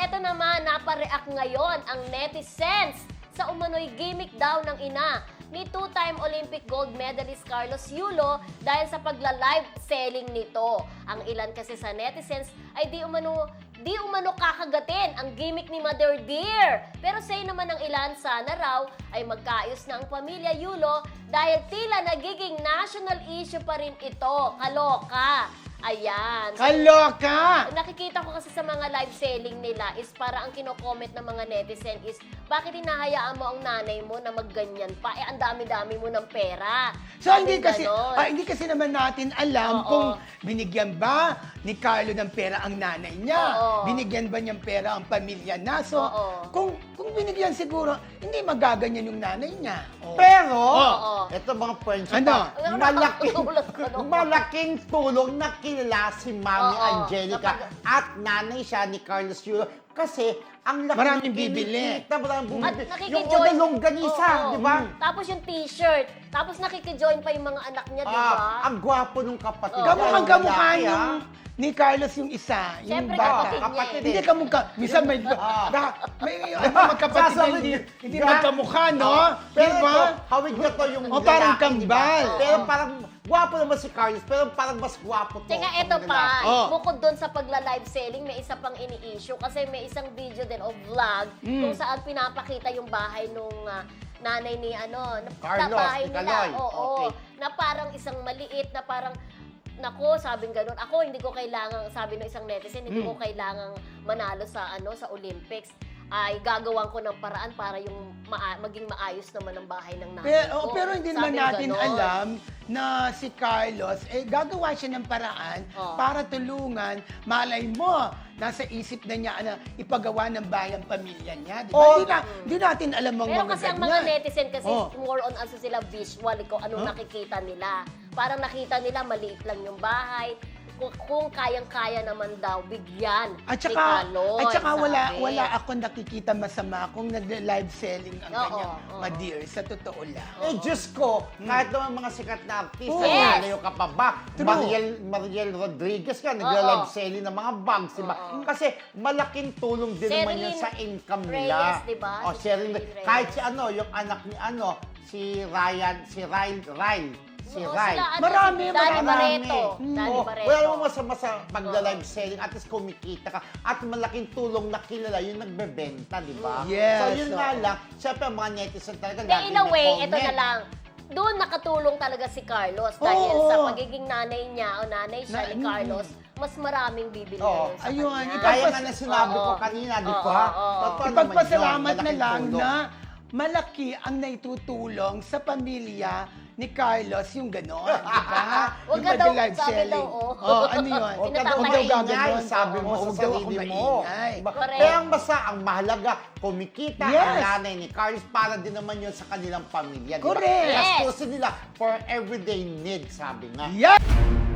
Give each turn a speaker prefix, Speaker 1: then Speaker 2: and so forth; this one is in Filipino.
Speaker 1: eto naman, napareact ngayon ang netizens sa umano'y gimmick daw ng ina ni two-time Olympic gold medalist Carlos Yulo dahil sa pagla-live selling nito. Ang ilan kasi sa netizens ay di umano kakagatin ang gimmick ni Mother Dear. Pero say naman ng ilan, sana raw ay magkaayos na ang pamilya Yulo dahil tila nagiging national issue pa rin ito. Kaloka. Ayan.
Speaker 2: Kaloka!
Speaker 1: Nakikita ko kasi sa mga live selling nila is para ang kino-comment ng mga netizen is bakit hinahayaan mo ang nanay mo na magganyan pa? Eh, ang dami-dami mo ng pera.
Speaker 2: So, hindi kasi naman natin alam
Speaker 1: Oo.
Speaker 2: kung binigyan ba ni Carlo ng pera ang nanay niya.
Speaker 1: Oo.
Speaker 2: Binigyan ba niyang pera ang pamilya na. So,
Speaker 1: Oo.
Speaker 2: kung binigyan siguro, hindi magaganyan yung nanay niya. Oo.
Speaker 3: Pero,
Speaker 1: Oo.
Speaker 3: ito mga points.
Speaker 2: Ano?
Speaker 3: Malaking tulong na kilala si Mami
Speaker 1: Oo.
Speaker 3: Angelica at nanay siya ni Carlos Yulo. Kasi, ang laki
Speaker 2: Maraming
Speaker 3: ng
Speaker 2: bibili.
Speaker 3: kinikita, maraming bumibili.
Speaker 1: At
Speaker 3: Yung
Speaker 1: nakikijoin.
Speaker 3: una longganisa,
Speaker 1: Oo.
Speaker 3: di ba?
Speaker 1: Tapos yung t-shirt. Tapos nakikijoin pa yung mga anak niya, di ba?
Speaker 3: Ang gwapo nung kapatid.
Speaker 1: Oo.
Speaker 2: Kamukhang kamukha
Speaker 3: Lalaki,
Speaker 2: yung
Speaker 3: ah.
Speaker 2: ni Carlos yung isa, yung
Speaker 1: Siyempre,
Speaker 2: bata.
Speaker 1: kapatid niya
Speaker 2: Hindi
Speaker 3: eh.
Speaker 2: kamukha. Minsan may magkapatid na hindi magkamukha, no?
Speaker 3: Pero
Speaker 2: Diba?
Speaker 3: ito, hawig na to yung
Speaker 2: O, parang
Speaker 3: lalaki, di ba?
Speaker 2: kambal.
Speaker 3: Pero parang gwapo naman si Carlos, pero parang mas gwapo to.
Speaker 1: Teka,
Speaker 3: ang
Speaker 1: eto pa,
Speaker 3: lalaki.
Speaker 2: Oh.
Speaker 1: bukod doon sa pagla-live selling, may isa pang ini-issue kasi may isang video din o vlog kung saan pinapakita yung bahay nung nanay ni
Speaker 3: Carlos,
Speaker 1: bahay
Speaker 3: ni
Speaker 1: nila.
Speaker 3: Kaloy.
Speaker 1: Oo,
Speaker 3: Okay.
Speaker 1: na parang isang maliit na parang nako, sabing ganun. Ako hindi ko kailangan, sabi ng isang netizen, hindi ko kailangang manalo sa sa Olympics. Ay gagawan ko ng paraan para yung maging maayos naman ang bahay ng nanay ko.
Speaker 2: Pero hindi naman
Speaker 1: Sabing
Speaker 2: natin
Speaker 1: ganon.
Speaker 2: alam na si Carlos, gagawa siya ng paraan
Speaker 1: Oh.
Speaker 2: para tulungan. Malay mo, nasa isip na niya na ipagawa ng bahay ang pamilya niya. Di ba?
Speaker 3: Oh.
Speaker 2: Hindi natin alam ang
Speaker 1: Pero
Speaker 2: mga
Speaker 1: kasi ang
Speaker 2: ganyan.
Speaker 1: mga netizen kasi
Speaker 2: Oh.
Speaker 1: more on sila visual kung anong nakikita nila. Parang nakita nila maliit lang yung bahay. Kung kayang-kaya naman daw bigyan
Speaker 2: At
Speaker 1: ni
Speaker 2: saka,
Speaker 1: Kaloy, sabi.
Speaker 2: wala ako nakikita masama kung nag-live selling ang
Speaker 1: Oo,
Speaker 2: kanyang
Speaker 1: oo.
Speaker 2: ma-dear, sa totoo lang.
Speaker 3: Eh, Diyos ko, kahit naman mga sikat na artista,
Speaker 1: Yes.
Speaker 3: lalayo ka pa ba?
Speaker 2: True.
Speaker 3: Mariel Rodriguez ka, nagla-live selling ng mga bags, diba?
Speaker 1: Oo.
Speaker 3: Kasi malaking tulong din naman yun
Speaker 1: Sherilyn
Speaker 3: sa income
Speaker 1: Reyes,
Speaker 3: nila.
Speaker 1: diba?
Speaker 3: O,
Speaker 1: Si
Speaker 3: Sherilyn,
Speaker 1: Sherilyn
Speaker 3: kahit
Speaker 1: Reyes.
Speaker 3: si yung anak ni si
Speaker 1: Oo,
Speaker 3: Ryan.
Speaker 1: sila,
Speaker 2: Marami,
Speaker 1: Danny
Speaker 2: marami.
Speaker 1: Barreto. Danny
Speaker 3: Oo,
Speaker 1: Barreto.
Speaker 3: wala namang masama sa pagla-live selling, at least kumikita ka. At malaking tulong na kilala yung nagbebenta, di ba?
Speaker 2: Yes,
Speaker 3: So yun nga
Speaker 2: oo.
Speaker 3: lang, syempre ang mga netizen talaga
Speaker 1: Then in a
Speaker 3: may
Speaker 1: way,
Speaker 3: comment.
Speaker 1: ito na lang. Doon nakatulong talaga si Carlos dahil
Speaker 2: Oo.
Speaker 1: sa pagiging nanay niya o nanay siya ni Carlos, mas maraming bibili
Speaker 3: Oo.
Speaker 1: sa
Speaker 2: Ayun,
Speaker 1: kanya.
Speaker 3: Kaya nga na sinabi ko
Speaker 1: Oo.
Speaker 3: kanina, di
Speaker 1: Oo,
Speaker 3: ba?
Speaker 1: oo.
Speaker 3: Totoo naman
Speaker 2: Ipagpasalamat
Speaker 3: yun,
Speaker 2: na
Speaker 3: malaking
Speaker 2: lang
Speaker 3: tulong.
Speaker 2: na malaki ang naitutulong sa pamilya ni Carlos yung gano'n, di ba?
Speaker 1: Huwag
Speaker 2: Yung
Speaker 1: ka daw,
Speaker 2: pag-live
Speaker 1: sabi
Speaker 2: selling.
Speaker 1: daw, oh.
Speaker 2: Ano yun?
Speaker 3: Huwag ka daw
Speaker 1: Huwag daw
Speaker 3: maingay,
Speaker 2: gaganon.
Speaker 3: sabi mo
Speaker 2: Oo,
Speaker 3: sa
Speaker 2: huwag daw
Speaker 3: sarili
Speaker 2: ako
Speaker 3: mo.
Speaker 2: maingay.
Speaker 3: Diba?
Speaker 1: Correct.
Speaker 3: Kaya ang basta, ang mahalaga, kumikita
Speaker 2: Yes.
Speaker 3: ang nanay ni Carlos para din naman yun sa kanilang pamilya. Diba?
Speaker 2: Correct.
Speaker 1: Yes.
Speaker 3: Gastusin nila for everyday need, sabi nga.
Speaker 2: Yan!